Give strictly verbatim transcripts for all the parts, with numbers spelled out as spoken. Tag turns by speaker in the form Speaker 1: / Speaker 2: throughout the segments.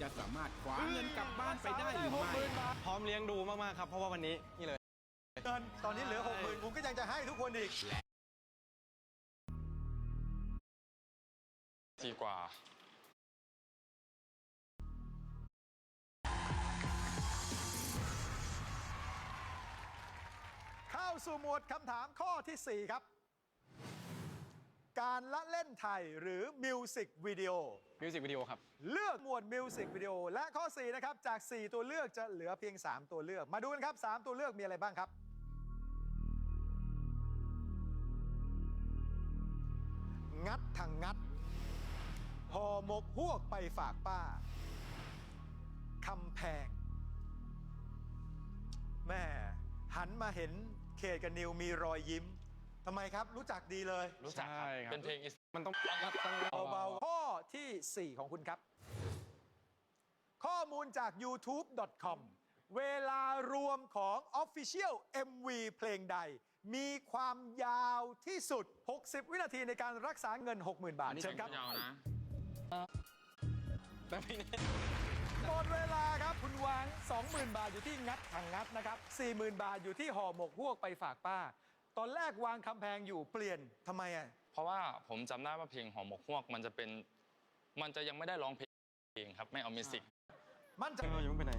Speaker 1: จะสามารถคว้าเงินกลับบ้านไปได้หรือไม่
Speaker 2: พร้อมเลี้ยงดูมากๆครับเพราะว่าวันนี้นี่เลย
Speaker 3: เงินตอนนี้เหลือหกหมื่นผมก็ยังจะให้ทุกคนอีก
Speaker 4: ดีกว่า
Speaker 3: เข้าสู่หมวดคำถามข้อที่สี่ครับ การละเล่นไทยหรือมิวสิกวิดีโอ
Speaker 2: มิวสิกวิดีโอครับ
Speaker 3: เลือกหมวดมิวสิกวิดีโอและข้อสี่นะครับจาก สี่ ตัวเลือกจะเหลือเพียง สาม ตัวเลือกมาดูกันครับ สาม ตัวเลือกมีอะไรบ้างครับ งัดทางงัดห่อหมกฮวกไปฝากป้าคำแพงแม่หันมาเห็นเขตกับนิวมีรอยยิ้มทำไมครับรู้จักดีเลย
Speaker 4: รู้จักครับ
Speaker 2: ใช่ครับ
Speaker 4: เป็นเพลงอิส
Speaker 2: มันต้อง
Speaker 3: เบาๆข้อที่ สี่ ของคุณครับ ข้อมูลจาก ยูทูบ ดอท คอม เวลารวมของ Official เอ็ม วี เพลงใด มีความยาวที่สุด หกสิบ วินาทีในการรักษาเงิน หกหมื่น บาทเชิญครับ
Speaker 4: ยาวนะ
Speaker 2: แบบนี้
Speaker 3: หมดเวลาครับ คุณวาง สองหมื่น บาทอยู่ที่งัดถังงัดนะครับ สี่หมื่น บาทอยู่ที่ห่อหมกฮวกไปฝากป้า ตอนแรกวางคำแพงอยู่เปลี่ยนทำไมอ่ะ
Speaker 4: เพราะว่าผมจำได้ว่าเพลงหอมหมกฮวกมันจะเป็น มันจะยังไม่ได้ร้องเพลงครับ ไม่เอามิวสิก
Speaker 3: มั่นใจ
Speaker 2: เรายังไม่ไปไหน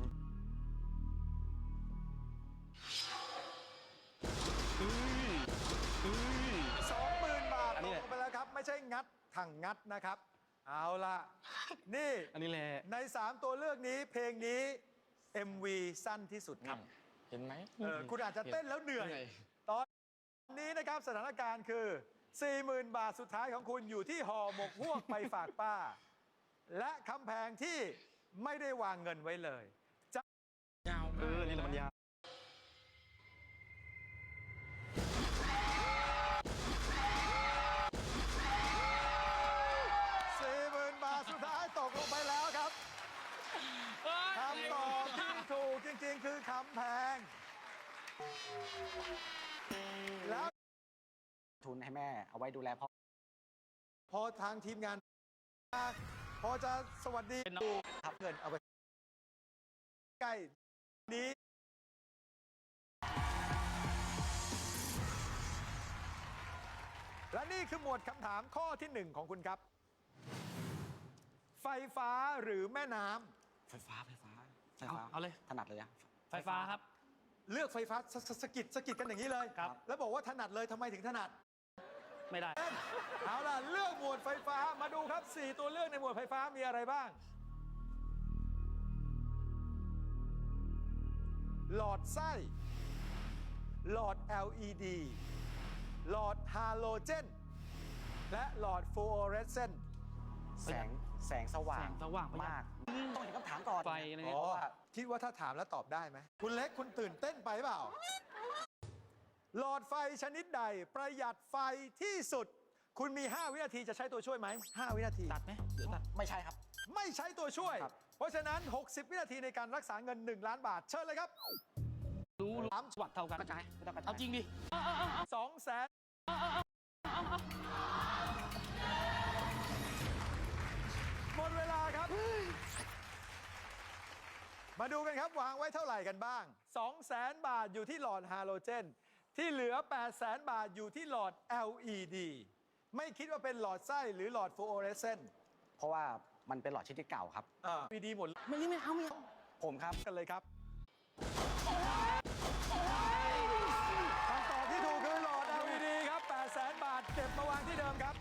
Speaker 3: สองหมื่น บาท
Speaker 2: อัน
Speaker 3: ต
Speaker 2: นี้
Speaker 3: ก
Speaker 2: แหละ
Speaker 3: ลงไปแล้วครับ ไม่ใช่งัดถังงัดนะครับ เอาล่ะ นี่
Speaker 2: อันนี้แหละ
Speaker 3: ใน สาม ตัวเลือกนี้เพลงนี้ เอ็ม วี สั้นที่สุดครับ
Speaker 4: เห็นไหม
Speaker 3: เออคุณอาจจะเต้นแล้วเหนื่อย
Speaker 2: เหนื่อย
Speaker 3: ตอนนี้นะครับสถานการณ์คือ สี่หมื่น บาทสุดท้ายของคุณอยู่ที่ห่อหมกฮวกไปฝากป้า และคำแพงที่ไม่ได้วางเงินไว้เลยจะ
Speaker 2: ยาวเออนี่แหละมันยาว
Speaker 3: สี่หมื่น บาทสุดท้ายตกลงไปแล้วครับคำตอบที่ถูกจริงๆ คือคำแพง แล้ว
Speaker 5: ทุนให้แม่เอาไว้ดูแลพ่อ
Speaker 3: พอทางทีมงาน พอจะสวัสดีดูครับเงินเอาไปใกล้นี้ และนี่คือหมวดคำถามข้อที่หนึ่งของคุณครับ ไฟฟ้าหรือแม่น้ำ
Speaker 5: ไฟฟ้าไฟฟ้าไฟฟ้า
Speaker 2: เอาเลย
Speaker 5: ถนัดเลยอะ
Speaker 2: ไฟฟ้าครับ
Speaker 3: เลือกไฟฟ้าสสสกิดสกิดกันอย่างนี้เลย
Speaker 2: ครับ
Speaker 3: แล้วบอกว่าถนัดเลยทำไมถึงถนัด
Speaker 2: ไม่ได้
Speaker 3: เอาล่ะ เลือกหมวดไฟฟ้ามาดูครับ สี่ ตัวเลือกในหมวดไฟฟ้ามีอะไรบ้าง หลอดไส้ หลอด แอล อี ดี หลอดฮาโลเจน และหลอดฟลูออเรสเซนต์
Speaker 5: แสงแสงสว่าง
Speaker 2: แสงสว่างประหยัด
Speaker 5: มาก ต้องเห็นคำถามก่อน
Speaker 2: ไฟอะไร
Speaker 3: อ๋
Speaker 2: เนี่ย
Speaker 3: อคิดว่าถ้าถามแล้วตอบได้ไหม คุณเล็กคุณตื่นเต้นไปเปล่า หลอดไฟชนิดใดประหยัดไฟที่สุด คุณมี ห้า วินาทีจะใช้ตัวช่วยไหม ห้า วินาที
Speaker 2: ตัดไหมหรือตัด
Speaker 5: ไม่ใช่ครับ
Speaker 3: ไม่ใช้ตัวช่วย
Speaker 5: ครับ
Speaker 3: เพราะฉะนั้น หกสิบ วินาทีในการรักษาเงิน หนึ่ง ล้านบาท เชิญเลยครับ
Speaker 2: รู้รู้
Speaker 3: สาม
Speaker 2: วัดเท่ากัน
Speaker 5: กระจายไม่ต้องกระจาย
Speaker 2: เอาจริงดิ
Speaker 3: สองแสนหมดเวลาครับ มาดูกันครับวางไว้เท่าไหร่กันบ้าง สองแสน บาทอยู่ที่หลอดฮาโลเจน ที่เหลือ แปดแสน บาทอยู่ที่หลอด แอล อี ดี ไม่คิดว่าเป็นหลอดไส้หรือหลอดฟลูออเรสเซนต์
Speaker 5: เพราะว่ามันเป็นหลอดชนิดเก่าครับ
Speaker 3: อ่า วี ดี หมด
Speaker 5: ไม่ไม่ไม่เอาไม่เอาผมครับ
Speaker 3: กันเลยครับคำตอบที่ถูกคือหลอด แอล อี ดี ครับ แปดแสน บาท เก็บมาวางที่เดิมครับ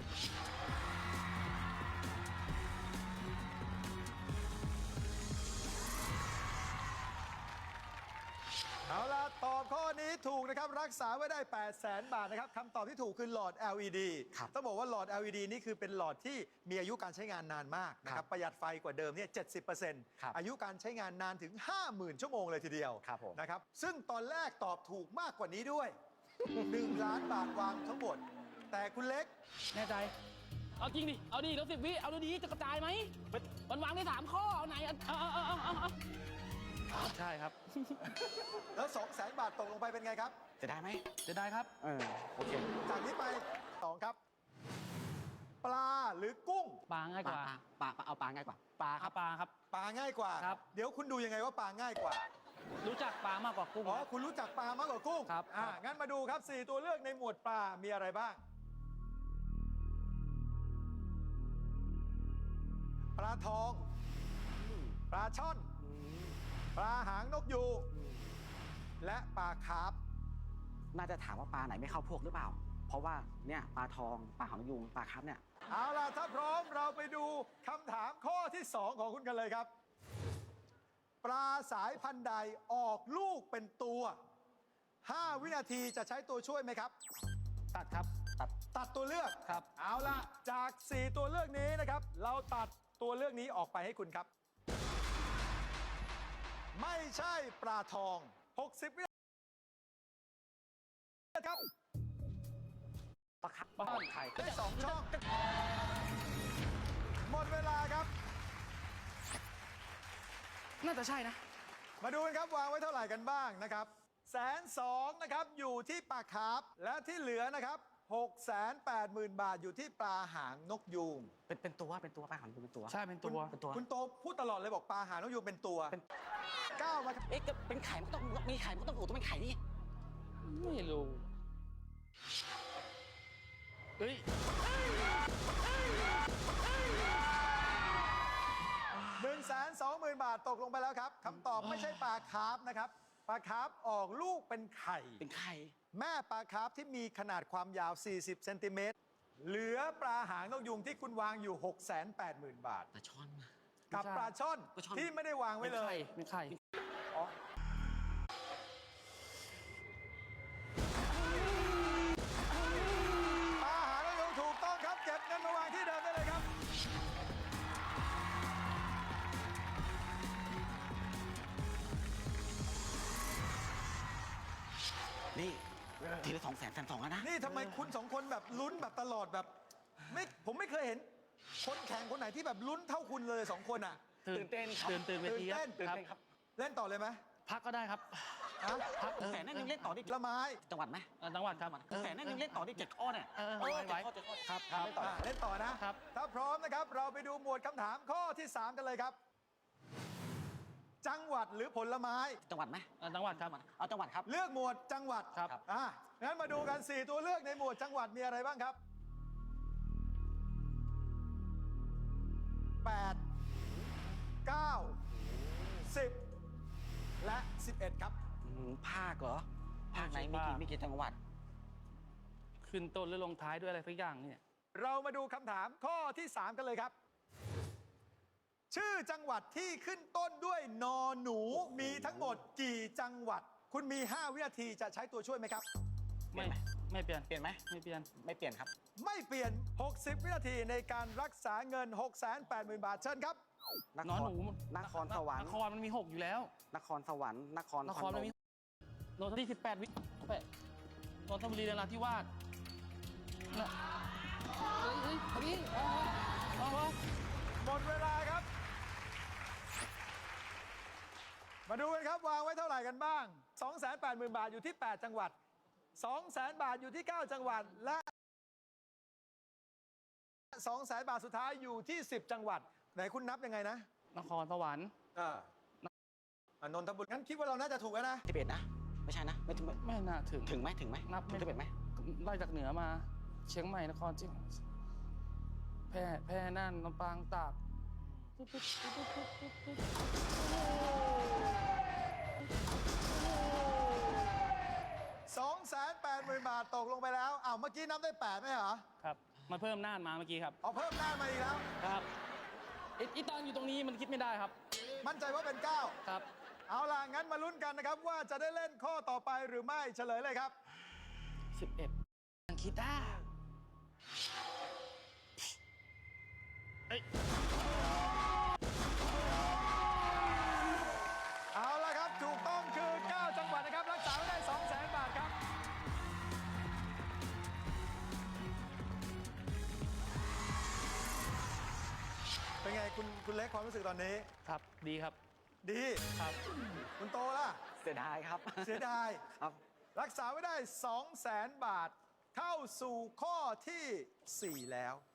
Speaker 3: เอาล่ะ ตอบข้อนี้ถูกนะครับ รักษาไว้ได้ แปดแสน บาทนะครับคำตอบที่ถูกคือหลอด แอล อี ดี
Speaker 5: ครับ
Speaker 3: ต้องบอกว่าหลอด แอล อี ดี นี่คือเป็นหลอดที่มีอายุการใช้งานนานมากนะค
Speaker 5: ครั
Speaker 3: รับบ ประหยัดไฟกว่าเดิมเนี่ย เจ็ดสิบเปอร์เซ็นต์
Speaker 5: ครับ
Speaker 3: อายุการใช้งานนานถึง ห้าหมื่น ชั่วโมงเลยทีเดียว
Speaker 5: ครับผม
Speaker 3: นะครับ ซึ่งตอนแรกตอบถูกมากกว่านี้ด้วย หนึ่ง ล้านบาทวางทั้งหมด แต่คุณเล็ก
Speaker 2: แน่ใจ เอาจริงดิ เอาดิแล้วสิบวิ เอาดีๆจะกระจายไหมมันวางได้สามข้อ เอาไหนเอาเอาเอาเอาเอาเอาใช่ครับ
Speaker 3: แล้วสองแสนบาทตกลงไปเป็นไงครับ
Speaker 5: จะได้ไหม
Speaker 2: จะได้ครับ
Speaker 5: เออโอเค
Speaker 3: จากนี้ไปสองครับ ปลาหรือกุ้ง
Speaker 2: ปลาง่าย
Speaker 5: ป
Speaker 2: ก
Speaker 5: ลา
Speaker 2: ว่า
Speaker 5: ปลาปลาเอาปลาง่ายกว่า
Speaker 2: ปลาครับปลาครับ
Speaker 3: ปลาง่ายกว่า
Speaker 2: ครับ
Speaker 3: เดี๋ยวคุณดูยังไงว่าปลาง่ายกว่า
Speaker 2: รู้จักปลามากกว่ากุ้ง
Speaker 3: อ๋อ
Speaker 2: ครับ
Speaker 3: คุณรู้จักปลามากกว่ากุ้ง
Speaker 2: ครับ
Speaker 3: อ่า
Speaker 2: ครับ
Speaker 3: งั้นมาดูครับสี่ตัวเลือกในหมวดปลา มีอะไรบ้าง ปลาทอง ปลาช่อน ปลาหางนกยูงและปลาคาร์ฟ
Speaker 5: น่าจะถามว่าปลาไหนไม่เข้าพวกหรือเปล่า เพราะว่าเนี่ยปลาทองปลาหางยุงปลาครับเนี่ย
Speaker 3: เอาล่ะ ถ้าพร้อมเราไปดูคำถามข้อที่สองของคุณกันเลยครับ ปลาสายพันธุ์ใดออกลูกเป็นตัวห้าวินาทีจะใช้ตัวช่วยไหมครับ
Speaker 2: ตัดครับ
Speaker 5: ตัด
Speaker 3: ตัดตัวเลือก
Speaker 2: ครับ
Speaker 3: เอาล่ะ จากสี่ตัวเลือกนี้นะครับ เราตัดตัวเลือกนี้ออกไปให้คุณครับ ไม่ใช่ปลาทอง หกสิบ วินาทีครับ
Speaker 5: ปลาครับ
Speaker 2: บ้าน
Speaker 5: ไข่
Speaker 3: ได้สองช่อง หมดเวลาครับ
Speaker 2: น่าจะใช่นะ
Speaker 3: มาดูกันครับวางไว้เท่าไหร่กันบ้างนะครับแสนสองนะครับอยู่ที่ปลาคาร์ฟและที่เหลือนะครับหกแสนแปดหมื่นบาทอยู่ที่ปลาหางนกยูง
Speaker 5: เป็นเป็นตัวเป็นตัวปลาหางยุงเป็นตัว
Speaker 2: ใช่เป็นตัว
Speaker 5: เป็นตัว
Speaker 3: คุณโตพูดตลอดเลยบอกปลาหางนกยูงเป็นตัว
Speaker 5: เป็น
Speaker 3: ก้าวมาครับ
Speaker 5: เอ๊ะก็เป็นไข่มันก็ต้องมีไข่มันก็ต้องโอ้ต้องเป็นไข่นี่
Speaker 2: ไม่รู้เฮ้ย
Speaker 3: หนึ่งแสนสองหมื่นบาทตกลงไปแล้วครับคำตอบไม่ใช่ปลาคาร์ฟนะครับปลาคาร์ฟออกลูกเป็นไข่
Speaker 5: เป็นไข่
Speaker 3: แม่ปลาคาร์ฟที่มีขนาดความยาว สี่สิบ เซนติเมตรเหลือปลาหางนกยูงที่คุณวางอยู่ หกแสนแปดหมื่น บาท
Speaker 5: ปลาช่อน
Speaker 3: กับปลาช่อน
Speaker 5: ปลาช่อน
Speaker 3: ที่ไม่ได้วางไว้เลย
Speaker 2: เป็นไข่
Speaker 3: อ๋อปลาหางนกยูงถูกต้องครับ เก็บเงินมาวางที่เดิมได้เลยครับ
Speaker 5: นี่ทีละสองแสนแสนสองแล้วนะ
Speaker 3: นี่ทำไมคุณสองคนแบบลุ้นแบบตลอดแบบไม่ผมไม่เคยเห็น คนแข่งคนไหนที่แบบลุ้นเท่าคุณเลยสองคนอ่ะ
Speaker 5: ตื่นเต้นครับ
Speaker 2: ตื่นตื่นเวที
Speaker 3: ตื่นเต้น
Speaker 2: ครับ
Speaker 5: ครับ
Speaker 3: เล่นต่อเลยไหม
Speaker 2: พักก็ได้ครับ
Speaker 3: ฮะ
Speaker 2: พัก
Speaker 5: แสนนั่นยังเล่นต่อได้
Speaker 3: ละไม้
Speaker 5: จังหวัดไหม
Speaker 2: เอ่อจังหวัดครับ
Speaker 5: แสนนั่นยังเล่นต่อได้เจ็ดข้อเนี่ย
Speaker 2: เออ
Speaker 5: เออ
Speaker 2: ไหว
Speaker 5: เจ็ดข้อเจ็ดข้อ
Speaker 2: ครับ
Speaker 5: ครับเล่นต่อ
Speaker 3: อ่ะเล่นต่อนะ
Speaker 2: ครับ
Speaker 3: ถ้าพร้อมนะครับ เราไปดูหมวดคำถามข้อที่สามกันเลยครับ จังหวัดหรือผลไม้
Speaker 5: จังหวัดไหม
Speaker 2: เอ่อจังหวัดครับ
Speaker 5: เอาจังหวัดครับ
Speaker 3: เลือกหมวดจังหวัด
Speaker 2: ครับ
Speaker 3: อ่ะงั้นมาดูกันสี่ตัวเลือกในหมวดจังหวัดมีอะไรบ้างครับแปด เก้า สิบ และสิบเอ็ดครับ
Speaker 5: อืมภาคเหรอ ภาคไหนมีกี่มีกี่จังหวัด
Speaker 2: ขึ้นต้นหรือลงท้ายด้วยอะไรสักอย่างเนี่ย
Speaker 3: เรามาดูคำถามข้อที่สามกันเลยครับ ชื่อจังหวัดที่ขึ้นต้นด้วยนอหนูมีทั้งหมดกี่จังหวัด คุณมี ห้า วินาทีจะใช้ตัวช่วยไหมครับ
Speaker 2: ไม่
Speaker 5: เปลี่ยนไหม
Speaker 2: ไม่เปลี่ยน
Speaker 5: เปลี่ยนไหม
Speaker 2: ไม่เปลี่ยน
Speaker 5: ไม่เปลี่ยนครับ
Speaker 3: ไม่เปลี่ยน หกสิบ วินาทีในการรักษาเงิน หกแสนแปดหมื่น บาทเชิญครับ
Speaker 5: น
Speaker 2: นอน
Speaker 5: ค
Speaker 2: ห
Speaker 5: ร
Speaker 2: นู
Speaker 5: นครสวรร
Speaker 2: น
Speaker 5: ค์
Speaker 2: ครมันมีหกอยู่แล้ว
Speaker 5: นครสวรรค์ นคร
Speaker 2: นครมันมีโนนที่สิบแปดวิแปดนนทบุรีนราธิวาสน่ะเฮ้ยเฮ้ยเอาดิเอาเอาเอา
Speaker 3: หมดเวลาครับ มาดูกันครับวางไว้เท่าไหร่กันบ้าง สองแสนแปดหมื่น บาทอยู่ที่ แปด จังหวัด สองแสน บาทอยู่ที่ เก้า จังหวัด และ สองแสน บาทสุดท้ายอยู่ที่ สิบ จังหวัด ไหนคุณนับยังไงนะ
Speaker 2: นครสวรรค์
Speaker 3: อ่าอ่ะนนทบุรีงั้นคิดว่าเราน่าจะถูกแล้วนะ
Speaker 5: ที่เป็นนะ ไม่ใช่นะ ไม่ถึง
Speaker 2: ไม่น่าถึง
Speaker 5: ถึงไหมถึงไหม
Speaker 2: นับไม่
Speaker 5: ถึงที่เป็นไหม
Speaker 2: ไล่จากเหนือมา เชียงใหม่นครจริงแพร่แพร่น่านลำปางตาก
Speaker 3: สองแสนแปดหมื่น บาทตกลงไปแล้วอ้าวเมื่อกี้นับได้แปดไหมเหรอ
Speaker 2: ครับมาเพิ่มน่านมาเมื่อกี้ครับ
Speaker 3: เอาเพิ่มหน้ามาอีกแล้ว
Speaker 2: ครับไอ้ไอีตอนอยู่ตรงนี้มันคิดไม่ได้ครับ
Speaker 3: มั่นใจว่าเป็นเก้า
Speaker 2: ครับ
Speaker 3: เอาล่ะ งั้นมาลุ้นกันนะครับ ว่าจะได้เล่นข้อต่อไปหรือไม่เฉลยเลยครับ
Speaker 2: สิบเอ็ดคิดได้เอ้ย
Speaker 3: เอาล่ะครับ ถูกต้องคือ เก้า จังหวัดนะครับ รักษาไว้ได้ สองแสน บาทครับ เป็นไงคุณคุณเล็กความรู้สึกตอนนี้
Speaker 2: ครับดีครับ
Speaker 3: ดี
Speaker 2: ครับ
Speaker 3: คุณโตล่ะ
Speaker 5: เสียดายครับ
Speaker 3: เสียดาย
Speaker 5: ครับ
Speaker 3: รักษาไว้ได้ สองแสน บาท เข้าสู่ข้อที่ สี่ แล้ว